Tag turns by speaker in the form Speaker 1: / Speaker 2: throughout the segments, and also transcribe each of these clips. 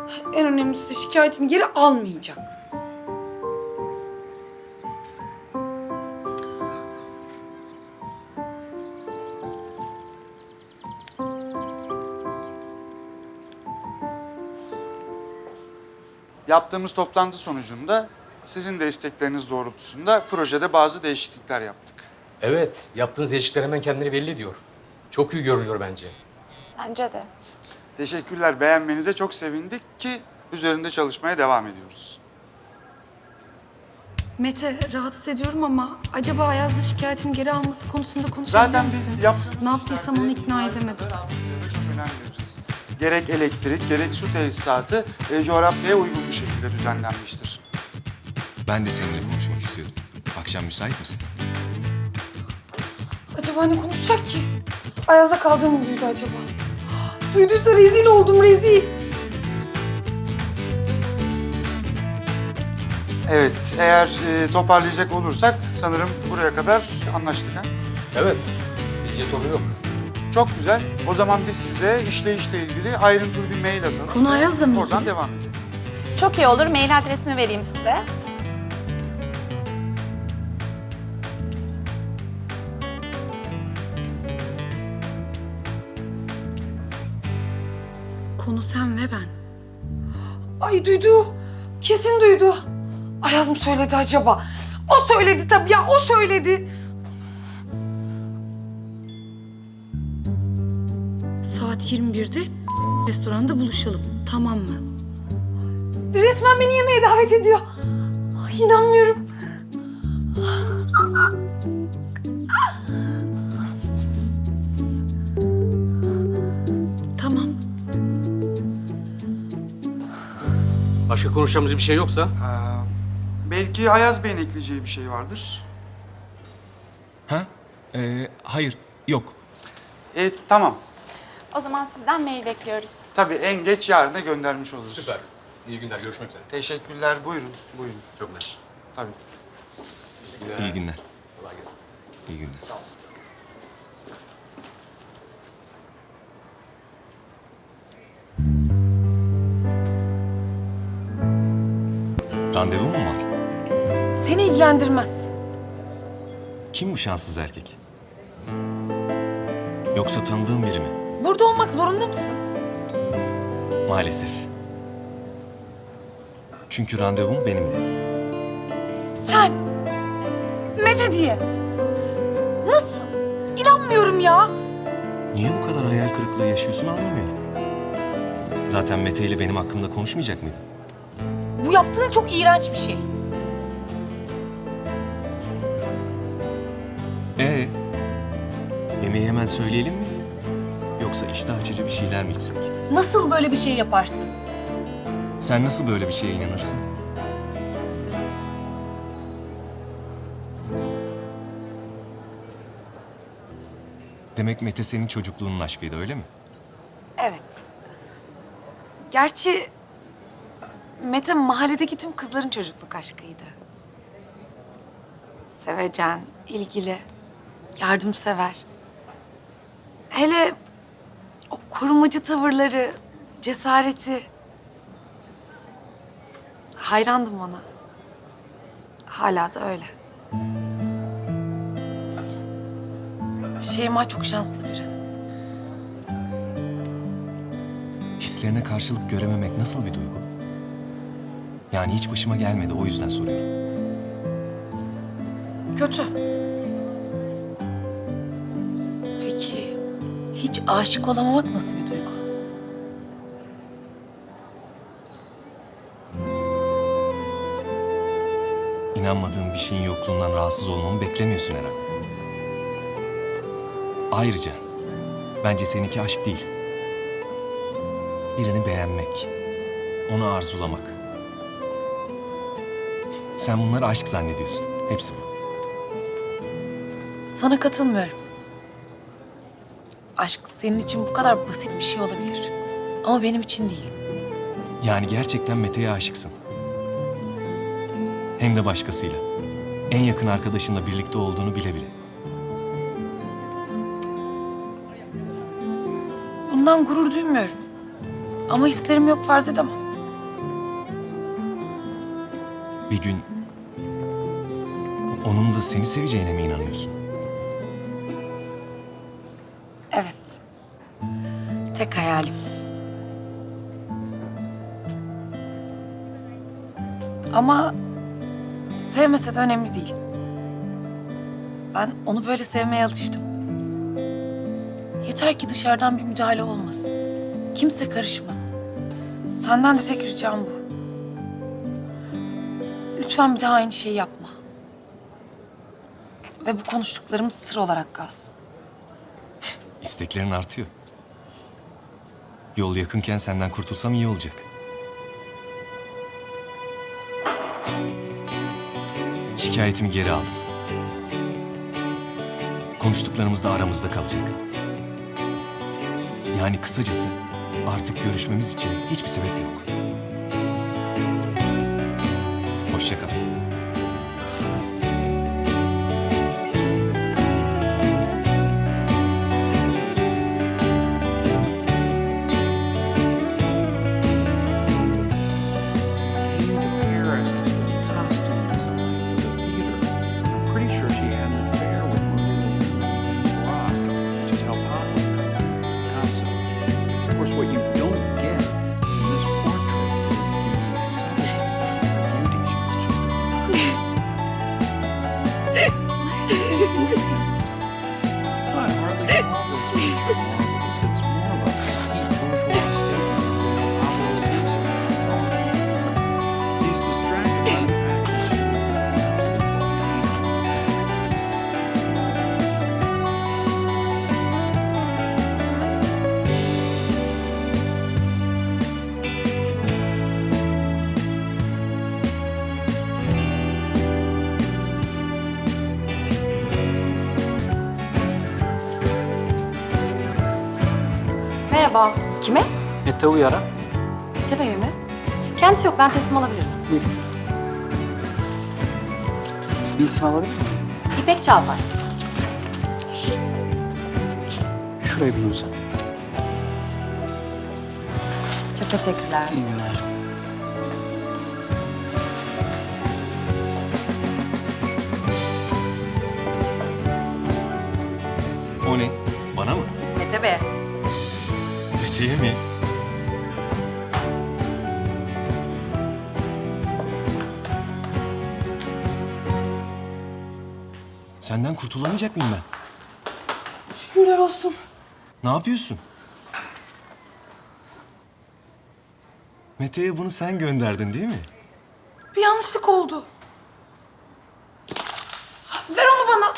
Speaker 1: En önemlisi de şikayetini geri almayacak.
Speaker 2: Yaptığımız toplantı sonucunda sizin de istekleriniz doğrultusunda projede bazı değişiklikler yaptık.
Speaker 3: Evet, yaptığınız değişiklikler hemen kendini belli ediyor. Çok iyi görünüyor bence.
Speaker 4: Bence de.
Speaker 2: Teşekkürler. Beğenmenize çok sevindik ki üzerinde çalışmaya devam ediyoruz.
Speaker 1: Mete, rahatsız ediyorum ama acaba Ayaz'la şikayetini geri alması konusunda konuşabilir
Speaker 2: Zaten
Speaker 1: misin?
Speaker 2: biz yaptığımız
Speaker 1: Ne yaptıysam onu ikna
Speaker 2: işlerde
Speaker 1: edemedim.
Speaker 2: çok önem veririz. Gerek elektrik, gerek su tesisatı coğrafyaya uygun bir şekilde düzenlenmiştir.
Speaker 5: Ben de seninle konuşmak istiyorum. Akşam müsait misin?
Speaker 1: Acaba ne konuşacak ki? Ayaz'da kaldığımı duydu acaba. Duyduysa rezil oldum, rezil.
Speaker 2: Evet, eğer toparlayacak olursak sanırım buraya kadar anlaştık ha?
Speaker 3: Evet, bizce sorun yok.
Speaker 2: Çok güzel. O zaman biz size işleyişle ilgili ayrıntılı bir mail atalım.
Speaker 1: Konu Ayaz'la mı
Speaker 2: Oradan
Speaker 1: ilgili?
Speaker 2: devam edelim.
Speaker 4: Çok iyi olur. Mail adresimi vereyim size.
Speaker 1: Konu sen ve ben. Ay duydu. Kesin duydu. Ayaz mı söyledi acaba? O söyledi tabii ya, o söyledi. Saat 21'de restoranda buluşalım, tamam mı? Resmen beni yemeğe davet ediyor. Ay, inanmıyorum. Tamam.
Speaker 3: Başka konuşacağımız bir şey yoksa?
Speaker 2: Belki Ayaz Bey'in ekleyeceği bir şey vardır.
Speaker 5: Ha? Hayır, yok.
Speaker 2: Tamam.
Speaker 4: O zaman sizden mail bekliyoruz.
Speaker 2: Tabii en geç yarına da göndermiş oluruz.
Speaker 3: Süper. İyi günler, görüşmek üzere.
Speaker 2: Teşekkürler. Buyurun. Buyurun.
Speaker 3: Çok mersi.
Speaker 2: Tabii.
Speaker 5: İyi günler.
Speaker 3: Kolay gelsin.
Speaker 5: İyi günler.
Speaker 3: Sağ ol.
Speaker 5: Randevu mu var?
Speaker 1: Seni ilgilendirmez.
Speaker 5: Kim bu şanssız erkek? Yoksa tanıdığım biri mi?
Speaker 1: Burada olmak zorunda mısın?
Speaker 5: Maalesef. Çünkü randevum benimle.
Speaker 1: Sen. Mete diye. Nasıl? İnanmıyorum ya.
Speaker 5: Niye bu kadar hayal kırıklığı yaşıyorsun anlamıyorum. Zaten Mete ile benim hakkımda konuşmayacak mıydın?
Speaker 1: Bu yaptığın çok iğrenç bir şey.
Speaker 5: Yemeği hemen söyleyelim mi? Yoksa iştah açıcı bir şeyler mi içsek?
Speaker 1: Nasıl böyle bir şey yaparsın?
Speaker 5: Sen nasıl böyle bir şeye inanırsın? Demek Mete senin çocukluğunun aşkıydı öyle mi?
Speaker 1: Evet. Gerçi Mete mahalledeki tüm kızların çocukluk aşkıydı. Sevecen, ilgili, yardımsever. Hele o korumacı tavırları, cesareti. Hayrandım ona. Hala da öyle. Şeyma çok şanslı biri.
Speaker 5: Hislerine karşılık görememek nasıl bir duygu? Yani hiç başıma gelmedi o yüzden soruyorum.
Speaker 1: Kötü. Peki hiç aşık olamamak nasıl bir duygu?
Speaker 5: İnanmadığım bir şeyin yokluğundan rahatsız olmamı beklemiyorsun herhalde. Ayrıca bence seninki aşk değil. Birini beğenmek, onu arzulamak. Sen bunları aşk zannediyorsun. Hepsi bu.
Speaker 1: Sana katılmıyorum. Aşk senin için bu kadar basit bir şey olabilir. Ama benim için değil.
Speaker 5: Yani gerçekten Mete'ye aşıksın. Hem de başkasıyla. En yakın arkadaşınla birlikte olduğunu bile bile.
Speaker 1: Bundan gurur duymuyorum. Ama hislerim yok farz edemem.
Speaker 5: Bir gün onun da seni seveceğine mi inanıyorsun?
Speaker 1: Evet. Tek hayalim. Ama sevmese de önemli değil. Ben onu böyle sevmeye alıştım. Yeter ki dışarıdan bir müdahale olmasın. Kimse karışmasın. Senden de tek ricam bu. Lütfen bir daha aynı şeyi yapma. Ve bu konuştuklarımız sır olarak kalsın.
Speaker 5: İsteklerin artıyor. Yol yakınken senden kurtulsam iyi olacak. Şikayetimi geri aldım. Konuştuklarımız da aramızda kalacak. Yani kısacası artık görüşmemiz için hiçbir sebep yok. Hoşça kal.
Speaker 6: Came to Paris to study costume design for the theater. I'm pretty sure she had an affair with Marie Rock, which is how Pablo met Picasso. Of course, what you don't get in this portrait is the excitement, the beauty. She was just a I hardly call this picture marvelous. It's more of a bourgeois statement of how Pablo sees her. That's all. He's distracted by the fact that she was an absolute volcano inside.
Speaker 7: Merhaba. Kime?
Speaker 6: Mete Uyar'a.
Speaker 7: Mete Bey'e mi? Kendisi yok. Ben teslim alabilirim.
Speaker 6: Buyurun. Bir isim alabilir miyim?
Speaker 7: İpek Çağatay.
Speaker 6: Şurayı bir sen.
Speaker 7: Çok teşekkürler.
Speaker 6: İyi günler.
Speaker 5: O ne? Bana mı?
Speaker 7: Mete Bey.
Speaker 5: Mete'ye mi? Senden kurtulamayacak mıyım ben?
Speaker 1: Şükürler olsun.
Speaker 5: Ne yapıyorsun? Mete'ye bunu sen gönderdin değil mi?
Speaker 1: Bir yanlışlık oldu. Ver onu bana.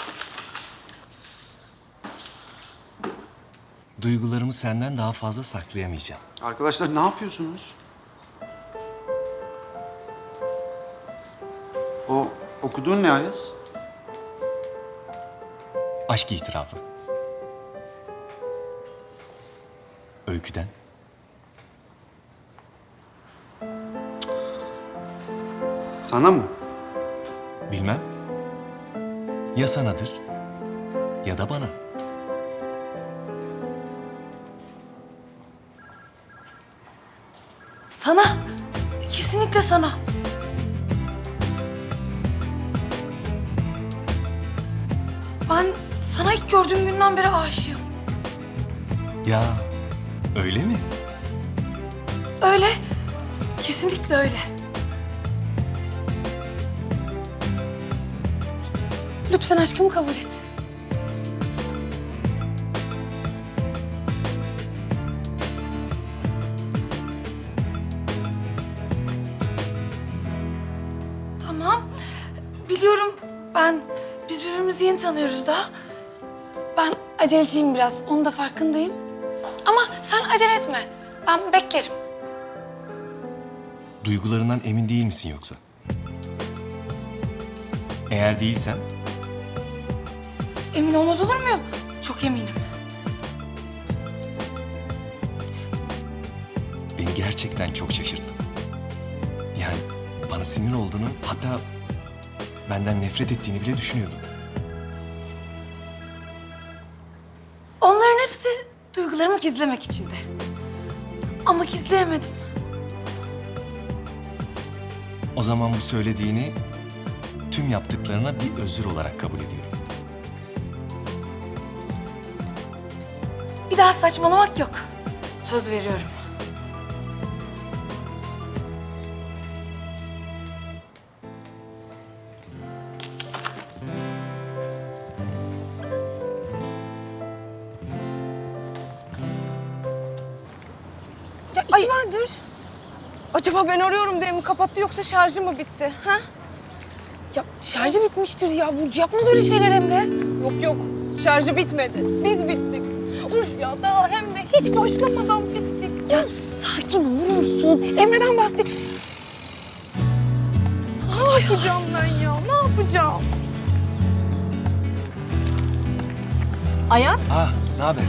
Speaker 5: Duygularımı senden daha fazla saklayamayacağım.
Speaker 2: Arkadaşlar ne yapıyorsunuz? O okuduğun ne Ayaz?
Speaker 5: Aşk itirafı. Öyküden.
Speaker 2: Sana mı?
Speaker 5: Bilmem. Ya sanadır ya da bana.
Speaker 1: Sana. Kesinlikle sana. Ben sana ilk gördüğüm günden beri aşığım.
Speaker 5: Ya öyle mi?
Speaker 1: Öyle. Kesinlikle öyle. Lütfen aşkımı kabul et. Tamam. Biliyorum biz birbirimizi yeni tanıyoruz daha. Ben aceleciyim biraz. Onun da farkındayım. Ama sen acele etme. Ben beklerim.
Speaker 5: Duygularından emin değil misin yoksa? Eğer değilsen
Speaker 1: Emin olmaz olur muyum? Çok eminim.
Speaker 5: beni gerçekten çok şaşırttın. Yani bana sinir olduğunu, hatta benden nefret ettiğini bile düşünüyordum.
Speaker 1: Onların hepsi duygularımı gizlemek içindi. Ama gizleyemedim.
Speaker 5: O zaman bu söylediğini tüm yaptıklarına bir özür olarak kabul ediyorum.
Speaker 1: Bir daha saçmalamak yok. Söz veriyorum.
Speaker 8: Ya işi vardır. Acaba ben arıyorum diye mi kapattı yoksa şarjı mı bitti? Ha?
Speaker 1: Ya şarjı bitmiştir ya. Burcu yapmaz öyle şeyler Emre.
Speaker 8: Yok yok. Şarjı bitmedi. Biz bittik. Uf ya daha hem de hiç başlamadan bittik.
Speaker 1: Ya sakin olur musun? Emre'den bahset.
Speaker 8: Ne yapacağım ben ya? Ne yapacağım?
Speaker 7: Ayaz,
Speaker 5: Ah, ne haber?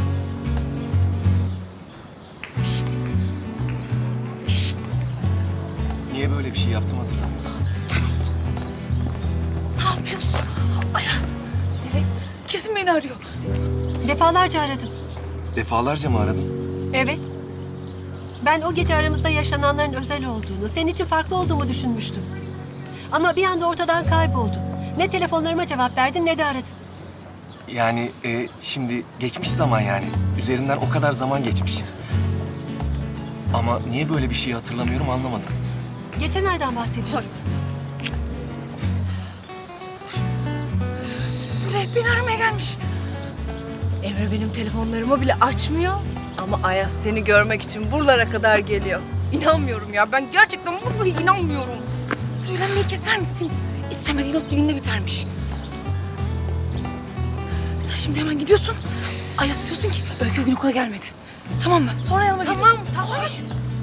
Speaker 5: Niye böyle bir şey yaptım hatırlamıyorum.
Speaker 1: Ne yapıyorsun? Ayaz. Evet. Kesin beni arıyor.
Speaker 7: defalarca aradım.
Speaker 5: Defalarca mı aradım?
Speaker 7: Evet. Ben o gece aramızda yaşananların özel olduğunu, senin için farklı olduğumu düşünmüştüm. Ama bir anda ortadan kayboldun. Ne telefonlarıma cevap verdin ne de aradın.
Speaker 5: Yani şimdi geçmiş zaman yani. Üzerinden o kadar zaman geçmiş. Ama niye böyle bir şeyi hatırlamıyorum anlamadım.
Speaker 7: Geçen aydan bahsediyorum.
Speaker 1: Buraya beni aramaya gelmiş.
Speaker 8: Emre benim telefonlarımı bile açmıyor. Ama Ayaz seni görmek için buralara kadar geliyor. İnanmıyorum ya. Ben gerçekten vallahi inanmıyorum.
Speaker 1: Söylenmeyi keser misin? İstemediğin ot dibinde bitermiş. Sen şimdi hemen gidiyorsun. Ayaz diyorsun ki Öykü bugün okula gelmedi. Tamam mı? Sonra yanıma geliyorsun.
Speaker 8: Tamam.
Speaker 1: Koş.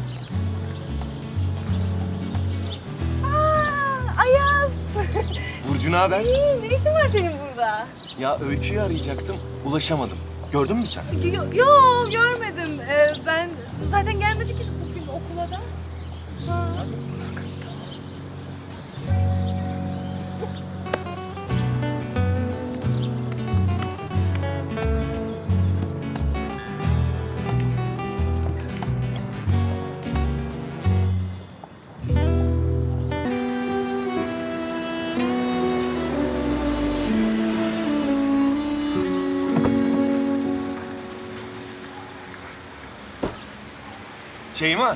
Speaker 8: Ayaz.
Speaker 5: Burcu ne haber?
Speaker 8: Ne işin var senin burada?
Speaker 5: Ya Öykü'yü arayacaktım, ulaşamadım. Gördün mü sen?
Speaker 8: Yok görmedim. Ben zaten gelmedi ki bugün okula da. Ha.
Speaker 5: Şeyma,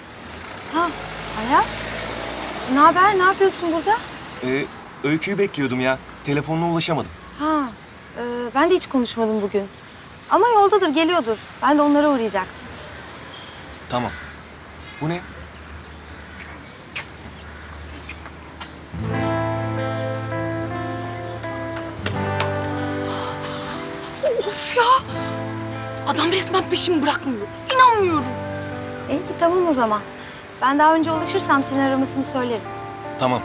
Speaker 7: Ayaz, ne haber? Ne yapıyorsun burada?
Speaker 5: Öykü'yü bekliyordum ya. Telefonuna ulaşamadım.
Speaker 7: Ha, ben de hiç konuşmadım bugün. Ama yoldadır, geliyordur. Ben de onlara uğrayacaktım.
Speaker 5: Tamam. Bu ne?
Speaker 1: Of ya. Adam resmen peşimi bırakmıyor. İnanmıyorum.
Speaker 7: İyi, tamam o zaman. Ben daha önce ulaşırsam seni aramasını söylerim.
Speaker 5: Tamam.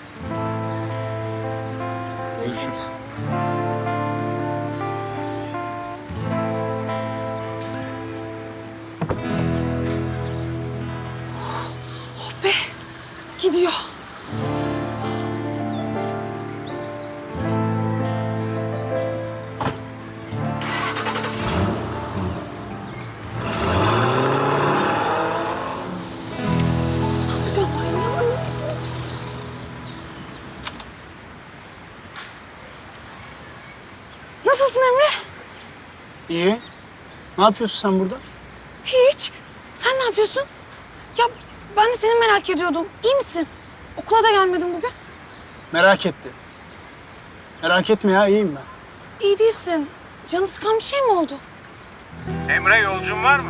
Speaker 5: Görüşürüz.
Speaker 1: Oh be. Gidiyor. Tutacağım ben ya. Nasılsın Emre?
Speaker 9: İyi. Ne yapıyorsun sen burada?
Speaker 1: Hiç. Sen ne yapıyorsun? Ya ben de seni merak ediyordum. İyi misin? Okula da gelmedin bugün.
Speaker 9: Merak etti. Merak etme ya, iyiyim ben.
Speaker 1: İyi değilsin. Canı sıkan bir şey mi oldu?
Speaker 10: Emre yolcun var mı?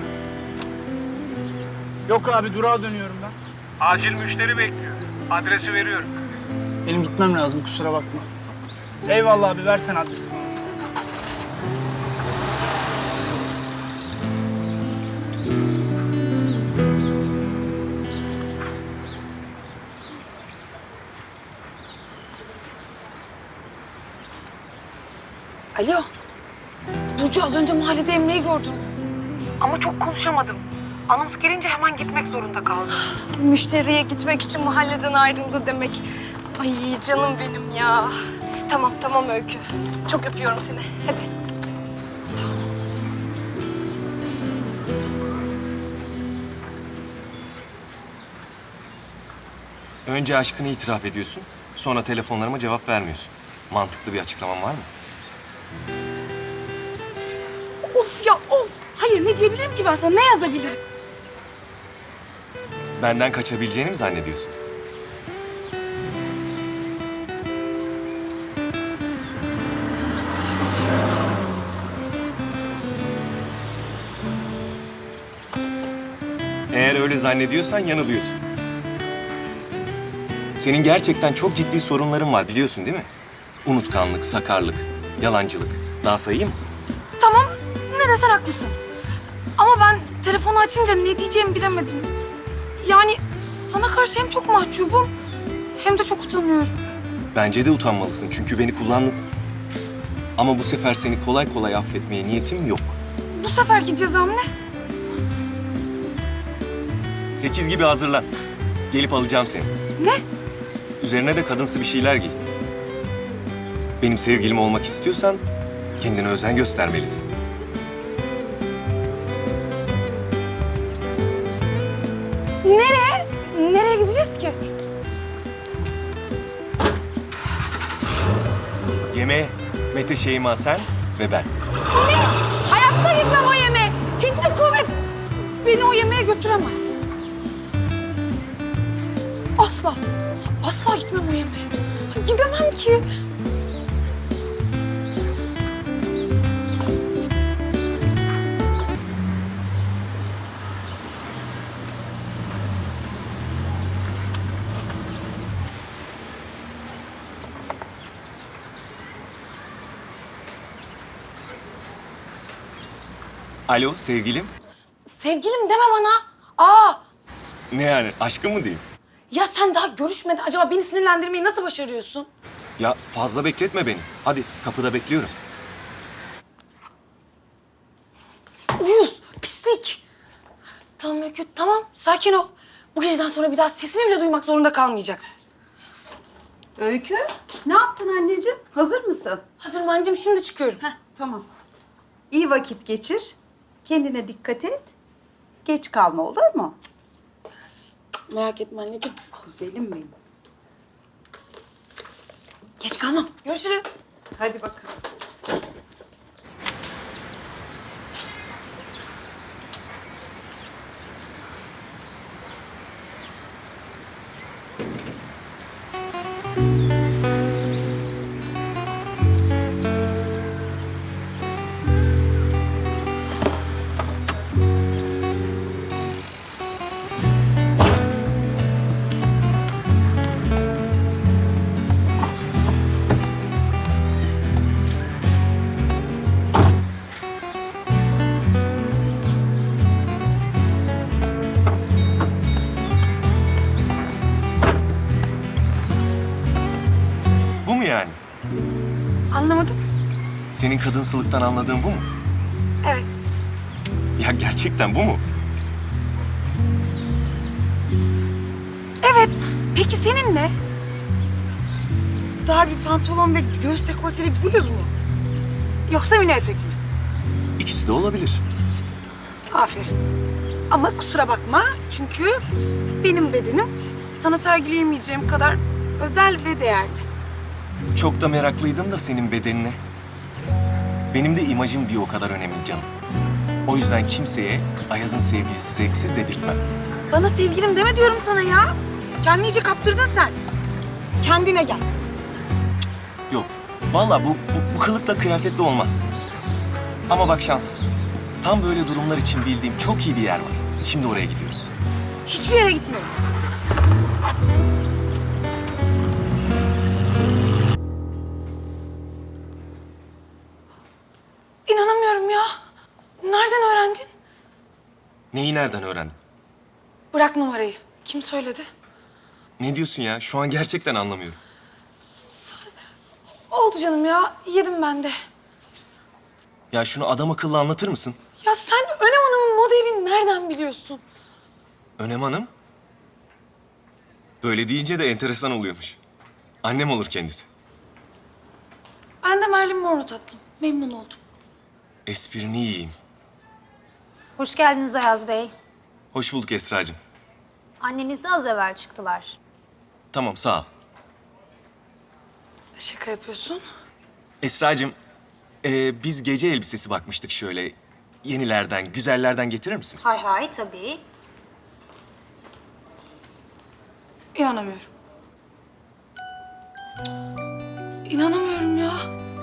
Speaker 9: Yok abi, durağa dönüyorum ben.
Speaker 10: Acil müşteri bekliyor. Adresi veriyorum.
Speaker 9: Benim gitmem lazım, kusura bakma. Eyvallah abi, versen adresi bana.
Speaker 1: Alo. Burcu az önce mahallede Emre'yi gördüm. Ama çok konuşamadım. Anons gelince hemen gitmek zorunda kaldım.
Speaker 8: Müşteriye gitmek için mahalleden ayrıldı demek. Ay canım benim ya. Tamam Öykü. Çok öpüyorum seni. Hadi.
Speaker 5: Önce aşkını itiraf ediyorsun, sonra telefonlarıma cevap vermiyorsun. Mantıklı bir açıklaman var mı?
Speaker 1: Of ya of. Hayır ne diyebilirim ki ben sana? Ne yazabilirim?
Speaker 5: Benden kaçabileceğini mi zannediyorsun? Eğer öyle zannediyorsan yanılıyorsun. Senin gerçekten çok ciddi sorunların var biliyorsun değil mi? Unutkanlık, sakarlık, yalancılık. Daha sayayım mı?
Speaker 1: Tamam ne desen haklısın. Ama ben telefonu açınca ne diyeceğimi bilemedim. Yani sana karşı hem çok mahcubum hem de çok utanıyorum.
Speaker 5: Bence de utanmalısın çünkü beni kullandın. Ama bu sefer seni kolay kolay affetmeye niyetim yok.
Speaker 1: Bu seferki cezam ne?
Speaker 5: 8 gibi hazırlan. Gelip alacağım seni.
Speaker 1: Ne?
Speaker 5: Üzerine de kadınsı bir şeyler giy. Benim sevgilim olmak istiyorsan kendine özen göstermelisin.
Speaker 1: Nereye? Nereye gideceğiz ki?
Speaker 5: Yemeğe Mete, Şeyma, sen ve ben.
Speaker 1: Ne? Hayatta gitmem o yemeğe. Hiçbir kuvvet beni o yemeğe götüremez. Asla. Asla gitmem o yemeğe. Gidemem ki.
Speaker 5: Alo sevgilim.
Speaker 1: Sevgilim deme bana. Aa,
Speaker 5: Ne yani aşkım mı diyeyim?
Speaker 1: ya sen daha görüşmeden acaba beni sinirlendirmeyi nasıl başarıyorsun?
Speaker 5: Ya fazla bekletme beni. Hadi kapıda bekliyorum.
Speaker 1: Uyuz, pislik. Tamam Öykü, tamam. Sakin ol. Bu geceden sonra bir daha sesini bile duymak zorunda kalmayacaksın.
Speaker 11: Öykü, ne yaptın anneciğim? Hazır mısın?
Speaker 1: Hazırım anneciğim, şimdi çıkıyorum.
Speaker 11: Heh, tamam. İyi vakit geçir. Kendine dikkat et. Geç kalma olur mu?
Speaker 1: Merak etme anneciğim.
Speaker 11: Güzelim benim.
Speaker 1: Geç kalmam. Görüşürüz.
Speaker 11: Hadi bakalım.
Speaker 5: Bu mu yani?
Speaker 1: Anlamadım.
Speaker 5: Senin kadınsılıktan anladığın bu mu?
Speaker 1: Evet.
Speaker 5: Ya gerçekten bu mu?
Speaker 1: Evet. Peki senin ne? Dar bir pantolon ve göğüs dekolteli bir bluz mu? Yoksa mini etek mi?
Speaker 5: İkisi de olabilir.
Speaker 1: Aferin. Ama kusura bakma çünkü benim bedenim sana sergileyemeyeceğim kadar özel ve değerli.
Speaker 5: Çok da meraklıydım da senin bedenine. Benim de imajım bir o kadar önemli canım. O yüzden kimseye Ayaz'ın sevgilisi zevksiz dedirtmem.
Speaker 1: Bana sevgilim deme diyorum sana ya. Kendini iyice kaptırdın sen. Kendine gel.
Speaker 5: Yok. Vallahi bu kılıkla kıyafetle olmaz. Ama bak şanslısın. Tam böyle durumlar için bildiğim çok iyi bir yer var. Şimdi oraya gidiyoruz.
Speaker 1: Hiçbir yere gitmiyorum. İnanamıyorum ya. Nereden öğrendin?
Speaker 5: Neyi nereden öğrendin?
Speaker 1: Bırak numarayı. Kim söyledi?
Speaker 5: Ne diyorsun ya? Şu an gerçekten anlamıyorum.
Speaker 1: Oldu canım ya. Yedim ben de.
Speaker 5: Ya şunu adam akıllı anlatır mısın?
Speaker 1: Ya sen Önem Hanım'ın moda evini nereden biliyorsun?
Speaker 5: Önem Hanım. Böyle deyince de enteresan oluyormuş. Annem olur kendisi.
Speaker 1: Ben de Marilyn Monroe tatlım. Memnun oldum.
Speaker 5: Esprini yiyeyim.
Speaker 12: Hoş geldiniz Ayaz Bey.
Speaker 5: Hoş bulduk Esra'cığım.
Speaker 12: Anneniz de az evvel çıktılar.
Speaker 5: Tamam, sağ ol.
Speaker 1: Şaka yapıyorsun.
Speaker 5: Esra'cığım, biz gece elbisesi bakmıştık şöyle. Yenilerden, güzellerden getirir misin?
Speaker 12: Hay hay tabii.
Speaker 1: İnanamıyorum. İnanamıyorum ya.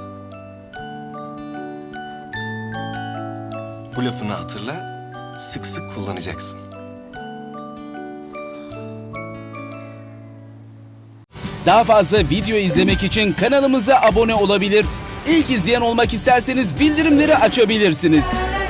Speaker 5: Bu lafını hatırla, sık sık kullanacaksın.
Speaker 13: Daha fazla video izlemek için kanalımıza abone olabilir. İlk izleyen olmak isterseniz bildirimleri açabilirsiniz.